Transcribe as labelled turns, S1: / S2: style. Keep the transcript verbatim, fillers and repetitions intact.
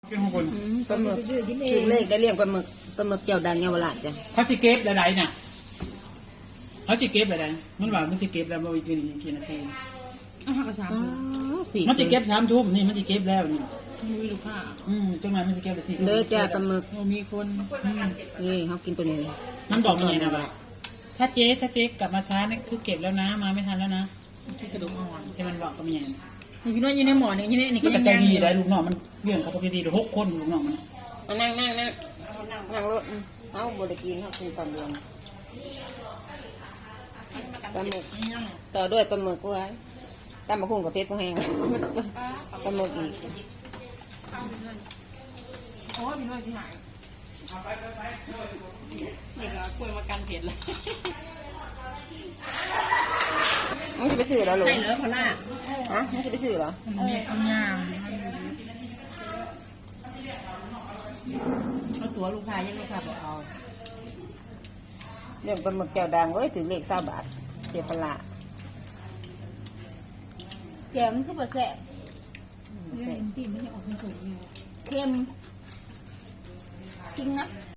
S1: เป็นของคน
S2: ปลาหมึกถึงเลขได้เรียงปลาหมึกปลาหมึกเกี่ยวดังเยาวราชจ้ะ
S1: เขาจะเก็บอะไรน่ะเขาจะเก็บอะไรมันว่ามันจะเก็บแล้วมันกินกินนาที
S3: อาหารกระชับ
S2: อ๋อผี
S1: มันจะเก็บสามทุ่มนี่มันจะเก็บแล้วนี่
S3: มีลูกค้า
S1: อืมจังไหนมันจะเก็บได้สี่
S2: เด้อจ้ะปลาหมึก
S3: โอ้มีคน
S2: นี่เขากินตัวนี้
S1: มันบอกยังไงนะว่าถ้าเจ๊ถ้าเจ๊กลับมาช้านี่คือเก็บแล้วนะมาไม่ทันแล้วนะ
S3: ที่กระดูกอ่อน
S1: ที่มันบอกก็ไม่ยัง
S3: นี่พี่น้อยอยู่ในหมอนี่อยู่ในนี่
S1: มั
S3: ก็
S1: น
S3: ยั
S1: ก็
S3: ง
S1: ใจ
S3: ยัง
S1: ดี
S3: อยู่
S1: ได้ลูกน้องมันเรื่องเขาปกติหกคนลูกน้องมัน
S2: มานั่งนั่งนั่งนั่งรถเขาบริกินเขากินตอนเดือนปลาหมึกต่อด้วยปลาหมึกไว้ตำมะคุ้งกับเพชรก็แห้งปลาหมึกอีก
S3: โอ้พี่น้อยสิหายนี่ก็กล้วยมากันเผ็ดเลย
S2: มึงจะไปซื้อแล้วหรอ
S3: ใช่เหรอพอล่า
S2: ฮะมึงจะไปซื้อเหรอ
S3: มันมีข้าวย่างเอาตัวลูกค้ายังลูกค้าบอกเอา
S2: เรื่องปลาหมึกเจ้าดังเอ้ยถึงเลขสามบาทเจ็บปลา
S4: แกมนคือบ่แซ่บ
S2: เสร็จ
S4: เค็มจริงนะ